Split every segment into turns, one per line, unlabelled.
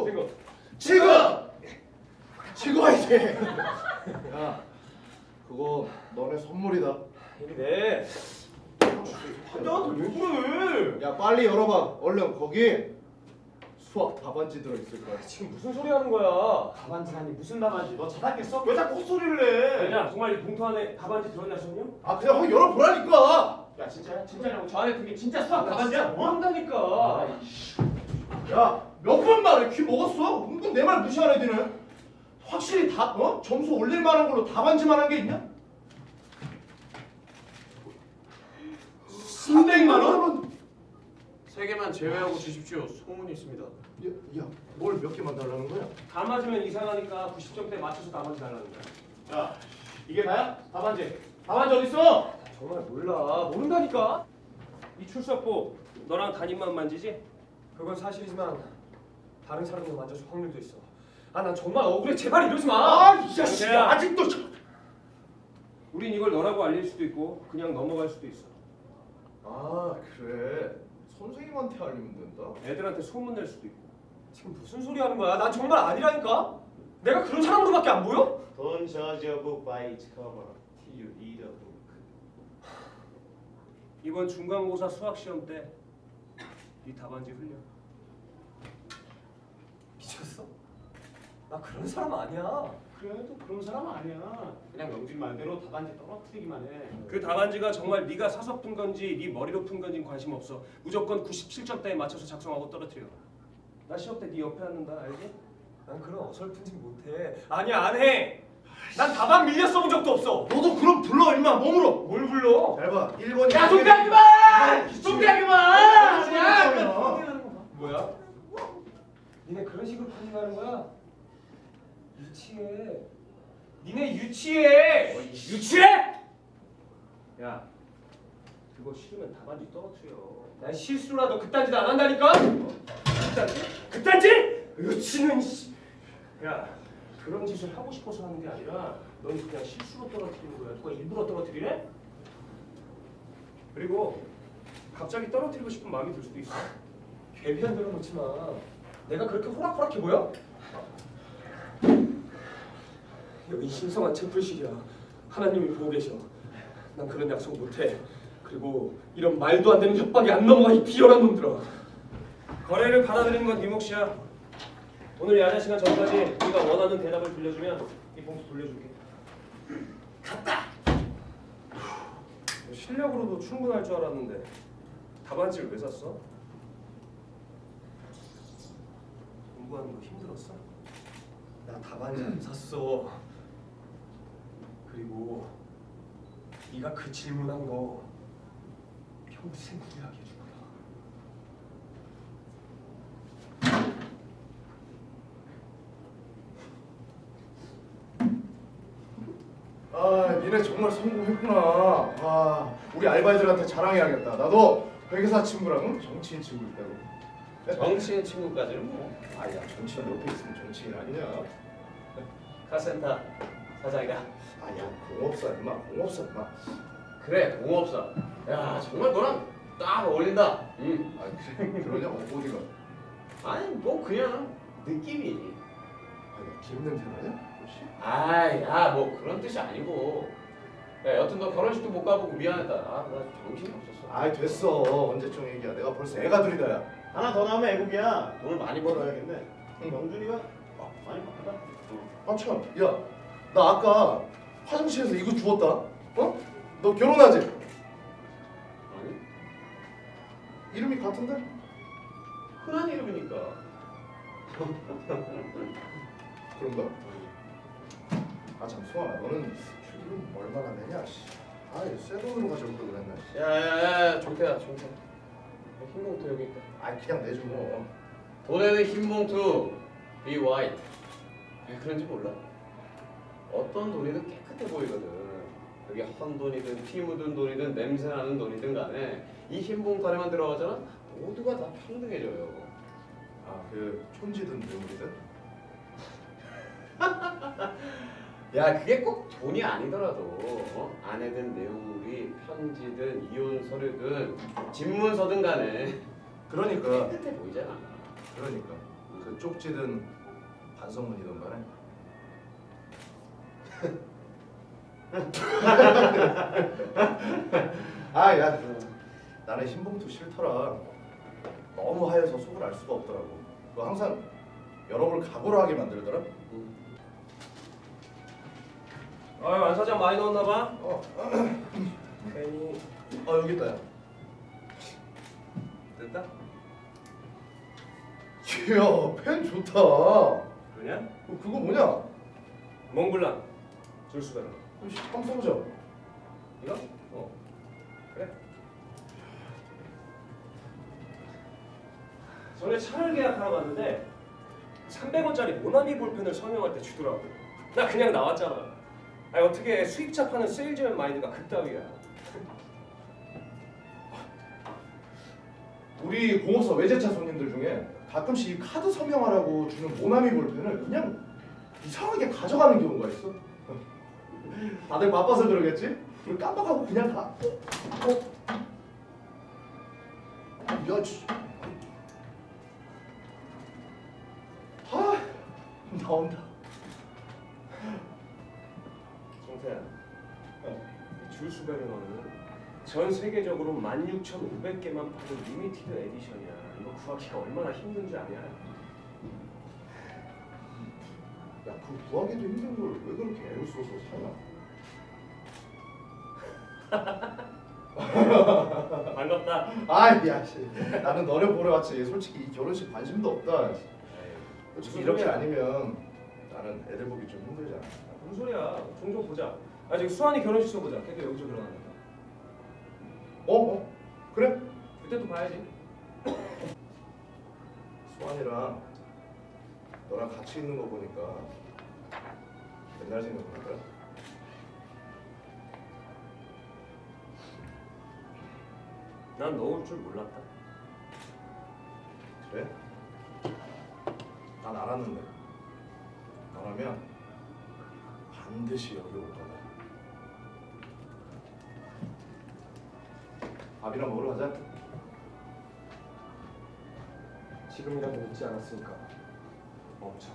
지금 이제. 야, 그거 너네 선물이다.
네. 환자한테 왜 그래?
야, 빨리 열어봐. 얼른 거기 수학 답안지 들어있을 거야.
지금 무슨 소리 하는 거야?
답안지라니 무슨 답안지? 너 자다겠어?
왜 자꾸 헛소리를 해?
왜냐? 정말 이 봉투 안에 답안지 들어있나 싶냐?
아, 그냥 확 열어보라니까.
야 진짜야? 진짜냐고? 저 안에 그게 진짜 수학 답안지야?
모른다니까.
야, 몇 번 말해. 귀 먹었어? 은근 내 말 무시하는 애들은. 확실히 점수 올릴 만한 걸로 답안지만 한 게 있냐? 300만 원?
3개만 제외하고 주십시오. 소문이 있습니다.
야, 뭘 몇 개만 달라는 거야?
다 맞으면 이상하니까 90점대에 맞춰서 답안지 달라는 거야.
야 이게 다야? 답안지. 답안지 어딨어?
정말 몰라. 모른다니까.
이 출석부 너랑 담임만 만지지?
그건 사실이지만 다른 사람도 만져줄 확률도 있어. 아, 난 정말 억울해. 제발 이러지 마.
아, 이 자식아, 아직도.
우린 이걸 너라고 알릴 수도 있고 그냥 넘어갈 수도 있어.
아, 그래. 선생님한테 알리면 된다.
애들한테 소문 낼 수도 있고.
지금 무슨 소리 하는 거야? 난 정말 아니라니까. 내가 그런 사람으로밖에 안 보여?
Don't judge a book by its cover till you read a book.
이번 중간고사 수학 시험 때 네 답안지 흘려.
미쳤어? 나 그런 사람 아니야.
그래도 그런 사람 아니야. 그냥 영진 말대로 답안지 떨어뜨리기만 해.
그 답안지가 정말 네가 사서 푼 건지 네 머리로 푼 건지 관심 없어. 무조건 97점대에 맞춰서 작성하고 떨어뜨려. 나 시험 때 네 옆에 앉는다, 알지?
난 그런 어설픈 짓 못해. 아니야, 안 해. 난 답안 밀려 써본 적도 없어.
너도 그럼 불러, 임마. 몸으로.
뭘 불러?
잘 봐. 1번이.
야 좀비하지 마! 좀비하지 마!
야,
뭐야? 니네 그런 식으로 판단하는 거야? 유치해. 니네 유치해. 유치해?
야, 그거 싫으면 답안지 떨어뜨려.
난 실수라도 그딴 짓 안 한다니까? 그딴 짓? 그딴 짓? 유치는 씨.
야, 그런 짓을 하고 싶어서 하는 게 아니라 넌 그냥 실수로 떨어뜨리는 거야. 누가 일부러 떨어뜨리래? 그리고 갑자기 떨어뜨리고 싶은 마음이 들 수도 있어.
괜히 안 들어놓지 마. 내가 그렇게 호락호락해 보여? 여기 신성한 채플실이야. 하나님이 보고 계셔. 난 그런 약속 못해. 그리고 이런 말도 안 되는 협박이 안 넘어가 이 비열한 놈들아.
거래를 받아들이는 건 네 몫이야. 오늘 야자 시간 전까지 네가 원하는 대답을 들려주면 이 봉투 돌려줄게.
갔다.
실력으로도 충분할 줄 알았는데 답안지를 왜 샀어? 공부하는 거 힘들었어?
나 답안지 안 샀어. 그리고 네가 그 질문한 거 평생 후회하게 해줄 거야.
아, 니네 정말 성공했구나. 아, 우리 알바애들한테 자랑해야겠다. 나도 회계사 친구랑 정치인 친구 있다고.
정치인 친구까지는 뭐.
아야, 정치인 옆에 있으면 정치인 아니냐?
카센터 사장이다.
아야, 공업사 임마, 공업사 임마.
그래, 공업사. 야, 정말 너랑 딱 어울린다.
아, 그러냐? 어디가?
아니, 뭐 그냥 느낌이.
아야, 기름 냄새 나냐? 혹시?
아이, 야, 뭐 그런 뜻이 아니고. 야, 여튼 너 결혼식도 못 가보고 미안했다. 아, 나 정신이 없었어.
아이, 됐어. 언제쯤 얘기야. 내가 벌써 애가 둘이다야.
하나 더 나오면 애국이야. 돈을 많이 벌어야겠네. 영준이가 많이 바쁘다.
아, 참. 야, 나 아까 화장실에서 이거 주웠다. 어? 너 결혼하지?
아니,
이름이 같은데?
흔한 이름이니까.
그런가? 아, 참, 수아나. 너는 휴기금 얼마나 내냐? 씨. 아, 새 돈으로 가져올 걸 그랬나? 씨.
야, 종태야, 종태. 흰봉투 여기 있다.
아, 그냥 내줘.
돈에는 흰봉투, be white. 왜 그런지 몰라? 어떤 돈이든 깨끗해 보이거든. 그게 헌돈이든 피 묻은 돈이든 냄새나는 돈이든 간에 이 흰봉투 안에만 들어가잖아? 모두가 다 평등해져요.
아, 그 촌지든 뇌물이든?
야, 그게 꼭 돈이 아니더라도 아내든 내용물이 편지든 이혼 서류든 집문서든 간에
그러니까
깨끗해 보이잖아.
그러니까 그 그 쪽지든 반성문이든 간에 아야 나는 흰봉투 싫더라. 너무 하얘서 속을 알 수가 없더라고. 그 항상 여러 걸 각오를 하게 만들더라.
아유 안 사장 많이 넣었나 봐.
괜히
여기 있다. 야.
됐다.
이야 펜 좋다.
그러냐?
그거 뭐냐?
몽블랑 줄수베르.
한번 써보자.
이거? 그래. 전에 차를 계약하러 갔는데 300원짜리 모나미 볼펜을 서명할 때 주더라고. 나 그냥 나왔잖아. 아니 어떻게 수입차 파는 세일즈맨 마인드가 그따위야.
우리 공업사 외제차 손님들 중에 가끔씩 이 카드 서명하라고 주는 모나미 볼펜을 그냥 이상하게 가져가는 경우가 있어. 다들 바빠서 그러겠지? 그걸 깜빡하고 그냥 가. 야, 나온다.
정태야, 줄수베르너는 전 세계적으로 16,500개만 파는 리미티드 에디션이야. 이거 구하기가 얼마나 힘든지 아냐?
야, 그 구하기도 힘든 걸 왜 그렇게 애를 써서 사냐?
반갑다.
아이, 야, 씨. 나는 너네 보러 왔지. 솔직히 이 결혼식 관심도 없다. 솔직히 이렇게 아니면 나는 애들 보기 좀 힘들잖아.
무슨 소리야? 종종 보자. 지금 수환이 결혼식 써보자. 걔도 여기저기 일어난다.
그래?
그때 또 봐야지.
수환이랑 너랑 같이 있는 거 보니까 옛날 생각나더라.
난 너 올 줄 몰랐다.
그래? 난 알았는데 너라면 반드시 여기 올 거다. 밥이나 먹으러 가자.
지금이라도 늦지 않았으니까 멈춰.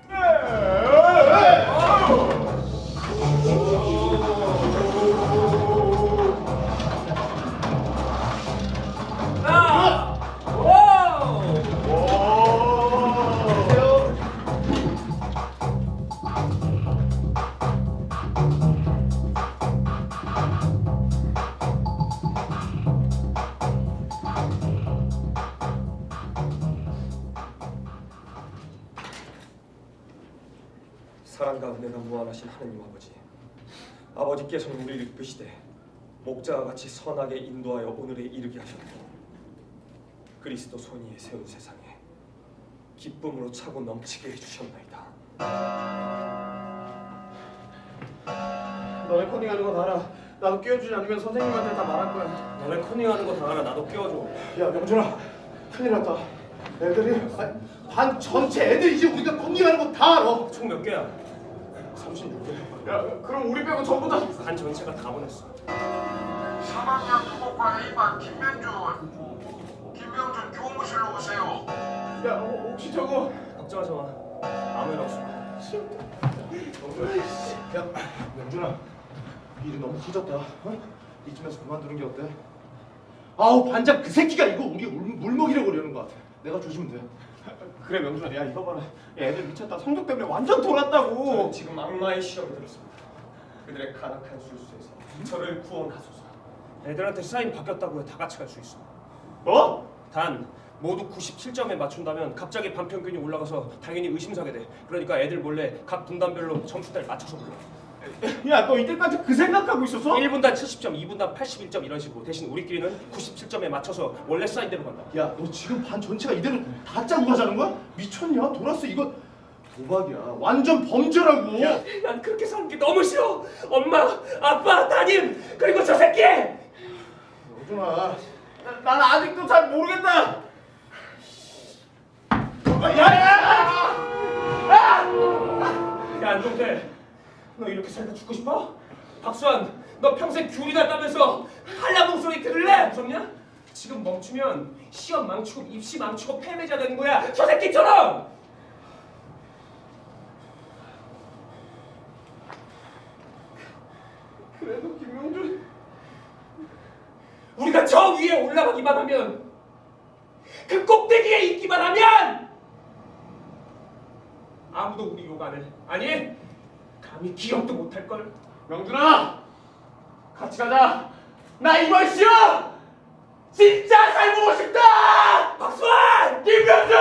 사랑과 은혜가 무한하신 하느님 아버지, 아버지께서는 우리를 이끄시되 목자와 같이 선하게 인도하여 오늘에 이르게 하셨고 그리스도 손위에 세운 세상에 기쁨으로 차고 넘치게 해주셨나이다.
너네 코딩하는 거 다 알아. 나도 끼워주지 않으면 선생님한테 다 말할 거야.
너네 커닝하는 거 다 알아. 나도 끼워줘.
야 명준아, 큰일 났다. 애들이 반 전체 애들이 이제 우리가 컨닝하는 거 다 알아.
총 몇 개야?
36개.
야, 그럼 우리 빼고 전부 다.
반 전체가 다 보냈어.
3학년 토목과 1반 김명준 교무실로 오세요.
야, 혹시 저거
걱정하지 마. 아무 일 없어.
야 명준아, 일이 너무 커졌다. 이쯤에서 그만두는 게 어때? 아우 반장 그 새끼가 이거 우리 물 먹이려고 그러는 것 같아. 내가 조심면 돼.
그래 명준아, 야 이거 봐라. 야, 애들 미쳤다. 성적 때문에 완전 돌았다고.
저는 지금 악마의 시험이 들었습니다. 그들의 간악한 술수에서 저를 구원하소서.
애들한테 사인 바뀌었다고 해. 다 같이 갈 수 있어.
뭐?
단 모두 97점에 맞춘다면 갑자기 반평균이 올라가서 당연히 의심사게 돼. 그러니까 애들 몰래 각 분단별로 점수대를 맞춰서 불러.
야, 너 이때까지 그 생각하고 있었어?
1분단 70점, 2분단 81점 이런 식으로. 대신 우리끼리는 97점에 맞춰서 원래 사인대로 간다.
야 너 지금 반 전체가 이대로 다 짜고 가자는 거야? 미쳤냐? 돌았어 이거 도박이야. 완전 범죄라고.
난 그렇게 사는 게 너무 싫어. 엄마, 아빠, 따님, 그리고 저 새끼!
명준아.
난 아직도 잘 모르겠다.
야 안동태, 너 이렇게 살다 죽고 싶어? 박수환, 너 평생 귤이나 따면서 한라봉 소리 들을래? 무섭냐? 지금 멈추면 시험 망치고 입시 망치고 패배자 되는 거야. 저 새끼처럼!
그래도 김명준
우리가 저 위에 올라가기만 하면, 그 꼭대기에 있기만 하면 아무도 우리 욕 안 해. 아니, 감히 기억도 못할 걸.
명준아 같이 가자. 나 이번 시험 진짜 잘 보고 싶다.
박수환!
김명준!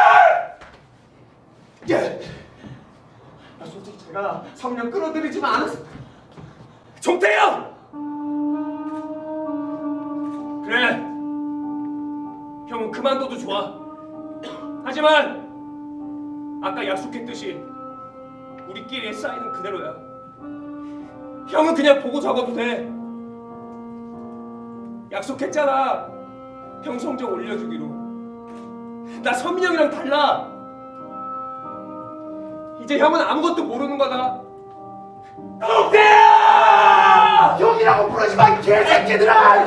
예!
솔직히 제가 3년 끌어들이지만 않았어.
종태형! 그래, 형은 그만둬도 좋아. 하지만 아까 약속했듯이 우리끼리의 사인은 그대로야. 형은 그냥 보고 적어도 돼. 약속했잖아, 형 성적 올려주기로. 나 선민이 형이랑 달라. 이제 형은 아무것도 모르는 거다. 종태야!
형이라고 부르지 마, 이 개새끼들아!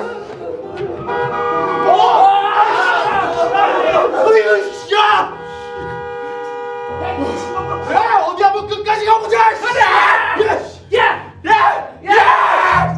야! 야, 어디 한번 끝까지 가보자! 가자! 야! 야! 야!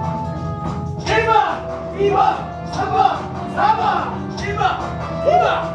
번, 3번, 4번, 1번, 2번.